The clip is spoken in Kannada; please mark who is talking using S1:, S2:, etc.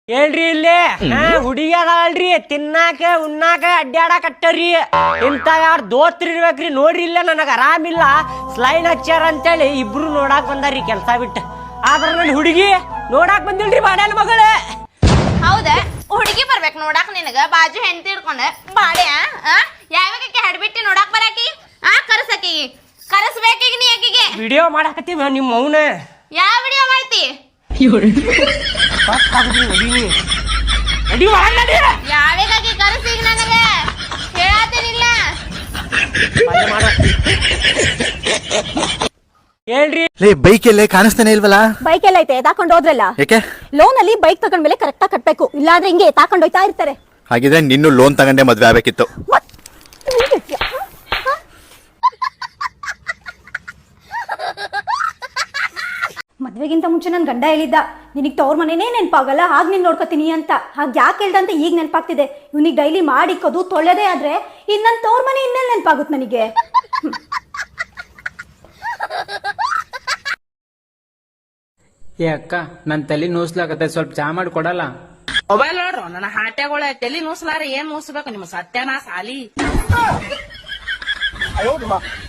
S1: ಹೇಳ್ರಿ ಇಲ್ಲಿ ಹುಡುಗಿ ಅದಾವಲ್ರಿ ತಿನ್ನಾಕ ಉಣ್ಣಾಕ ಅಡ್ಡಾಡಕಟ್ಟರಿ ಇಂತ ಯಾರು ದೋಸ್ತ್ರಿ ಇರ್ಬೇಕ್ರಿ. ನೋಡ್ರಿ ಇಲ್ಲ ನನಗ ಆರಾಮಿಲ್ಲ ಸ್ಲೈನ್ ಹಚ್ಚಾರ ಅಂತೇಳಿ ಇಬ್ರು ನೋಡಾಕ್ ಬಂದಾರ್ರಿ ಕೆಲ್ಸ ಬಿಟ್ಟು. ಆದ್ರ ನನ್ ಹುಡುಗಿ ನೋಡಾಕ್ ಬಂದಿಲ್ರಿ ಬಾಡ್ಯಾನ ಮಗಳೇ.
S2: ಹೌದ ಹುಡುಗಿ ಬರ್ಬೇಕು ನೋಡಾಕ್ ನಿನಗ ಬಾಜು ಹೆಂಡತಿ ಹಿಡ್ಕೊಂಡ ಬಾಡ್ಯ ಯಾವಾಗಕ್ಕೆ ಹಡ್ಬಿಟ್ಟಿ ನೋಡಾಕ್ ಬರಾಕಿ ಕರ್ಸಕಿ ಕರ್ಸ್ಬೇಕೀಗ ನೀ ಆಕಿಗೆ
S1: ವಿಡಿಯೋ ಮಾಡಾಕತ್ತೀವಿ ನಿಮ್ಮ ಮೌನ.
S2: ಯಾವ ವಿಡಿಯೋ ಮಾಡ್ತಿ? ಯಾವಾಗಕ್ಕೆ ಕರ್ಸೀಗ ನನಗ ಹೇಳಾತೀನಿಲ್ಲ.
S1: ಹೇಳ್ರಿ
S3: ಬೈಕ್ ಎಲ್ಲೇ ಕಾಣಿಸ್ತಾನೆ ಇಲ್ವಲ್ಲ?
S4: ಬೈಕ್ ಎಲ್ಲ ಐತೆ ತಾಕೊಂಡ್ ಹೋದ್ರಲ್ಲ.
S3: ಯಾಕೆ?
S4: ಲೋನ್ ಅಲ್ಲಿ ಬೈಕ್ ತಗೊಂಡ್ಮೇಲೆ ಕರೆಕ್ಟ್ ಆಗಿ ಕಟ್ಬೇಕು, ಇಲ್ಲಾಂದ್ರೆ ಹಿಂಗೆ ತಾಕೊಂಡ್ ಹೋಯ್ತಾ ಇರ್ತಾರೆ.
S3: ಹಾಗಿದ್ರೆ ನಿನ್ನೂ ಲೋನ್ ತಗೊಂಡೆ ಮದ್ವೆ ಆಗ್ಬೇಕಿತ್ತು.
S4: ಮದ್ವೆಗಿಂತ ಮುಂಚೆ ನನ್ ಗಂಡ ಹೇಳಿದ್ದ ನಿನಗ್ ತವ್ರ ಮನೆನೇ ನೆನಪಾಗಲ್ಲ, ಹಾಗೆ ನೀನ್ ನೋಡ್ಕೋತೀನಿ ಅಂತ. ಹಾಗೆ ಯಾಕೆ ಹೇಳ್ದ ಅಂತ ಈಗ ನೆನಪಾಗ್ತಿದೆ. ಇವ್ನಿಗೆ ಡೈಲಿ ಮಾಡಿಕ್ಕೋದು ತೊಳೆದೇ ಆದ್ರೆ ಇನ್ ನನ್ ತವ್ರ ಮನೆ ಇನ್ನೆಲ್ಲ ನೆನಪಾಗುತ್ತೆ ನನಗೆ.
S5: ಏ ಅಕ್ಕ ನನ್ ತಲೆ ನೂಸ್ಲಾಕತ್ತೆ, ಸ್ವಲ್ಪ ಚಾ ಮಾಡಿ ಕೊಡಲ್ಲ?
S6: ಮೊಬೈಲ್ ನೋಡ್ರು ನನ್ನ ಹಾಟ್ಯಾಗಳ ತಲಿ ನೂಸ್ಲಾರ ಏನ್ ನೂಸ್ಬೇಕು ನಿಮ್ಮ ಸತ್ಯನಾಶ ಆಲಿ.